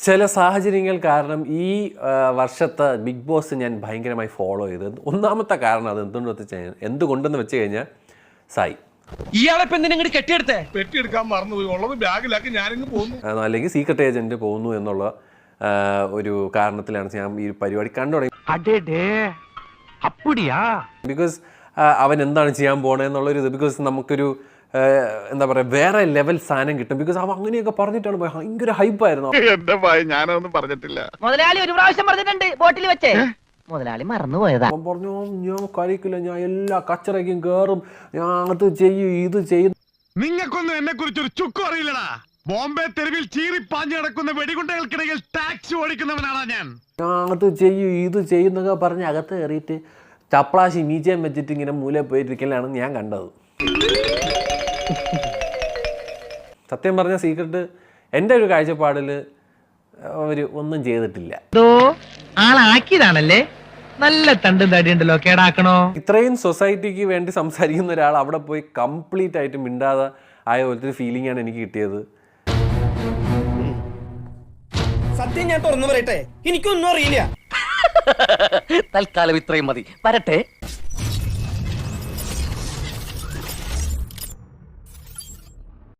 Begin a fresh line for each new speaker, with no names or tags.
ചില സാഹചര്യങ്ങൾ കാരണം ഈ വർഷത്തെ ബിഗ് ബോസ് ഞാൻ ഭയങ്കരമായി ഫോളോ ചെയ്തത്. ഒന്നാമത്തെ കാരണം അത് എന്തുകൊണ്ടെന്ന് വെച്ച് കഴിഞ്ഞാൽ സായി
ഇയാളെ നിങ്ങൾ കെട്ടിയെടുത്തേ
പെട്ടിയെടുക്കാൻ മറന്നുപോയി ഉള്ളത് ബാഗിലാക്കി ഞാനിങ്ങ് പോകുന്നു.
അല്ലെങ്കിൽ സീക്രട്ട് ഏജന്റ് പോകുന്നു എന്നുള്ള ഒരു കാരണത്തിലാണ് ഞാൻ ഈ പരിപാടി കണ്ടു തുടങ്ങി. ബിക്കോസ് അവൻ എന്താണ് ചെയ്യാൻ പോണെന്നുള്ളൊരു ഇത്. ബിക്കോസ് നമുക്കൊരു എന്താ പറയുക വേറെ ലെവൽ സാധനം കിട്ടും. ബിക്കോസ് അവൻ അങ്ങനെയൊക്കെ പറഞ്ഞിട്ടാണ് ഭയങ്കര ഹൈപ്പായിരുന്നു.
എന്റെ ഭയ ഞാനൊന്നും പറഞ്ഞിട്ടില്ല.
മുതലാളി ഒരു പ്രാവശ്യം പറഞ്ഞിട്ടുണ്ട് ബോട്ടിൽ വെച്ചേ, മുതലാളി മറന്നുപോയതാ.
അവൻ പറഞ്ഞു ഞാൻ കഴിക്കില്ല, ഞാൻ എല്ലാ കച്ചറയ്ക്കും കയറും, ഞാൻ അത് ചെയ്യും ഇത് ചെയ്യും.
നിങ്ങൾക്കൊന്നും എന്നെ കുറിച്ചൊരു ചുക്കും അറിയില്ലടാ. ബോംബെ തെരുവിൽ ചീറിപ്പാഞ്ഞു കിടക്കുന്ന വെടികുണ്ടകൾക്കിടയിൽ ടാക്സി ഓടിക്കുന്നവനാണ് ഞാൻ.
അത് ചെയ്യും ഇത് ചെയ്യുന്നൊക്കെ പറഞ്ഞ് അകത്ത് കയറിയിട്ട് ചപ്ലാശി മീച്ചയും വെച്ചിട്ട് ഇങ്ങനെ മൂലയിൽ പോയിരിക്കലാണ് ഞാൻ കണ്ടത്. സത്യം പറഞ്ഞ സീക്രട്ട് എൻ്റെ ഒരു കാഴ്ചപ്പാടിൽ അവർ ഒന്നും ചെയ്തിട്ടില്ല.
ആളാക്കിയതാണല്ലേ, നല്ല തണ്ടും തടിയുണ്ടല്ലോ, കേടാക്കണോ?
ഇത്രയും സൊസൈറ്റിക്ക് വേണ്ടി സംസാരിക്കുന്ന ഒരാൾ അവിടെ പോയി കംപ്ലീറ്റ് ആയിട്ട് മിണ്ടാതെ ആയ പോലത്തെ ഫീലിംഗ് ആണ് എനിക്ക് കിട്ടിയത്.
സത്യം ഞാൻ തുറന്നു പറയട്ടെ, എനിക്കൊന്നും അറിയില്ല.
തൽക്കാലം ഇത്രയും മതി, വരട്ടെ.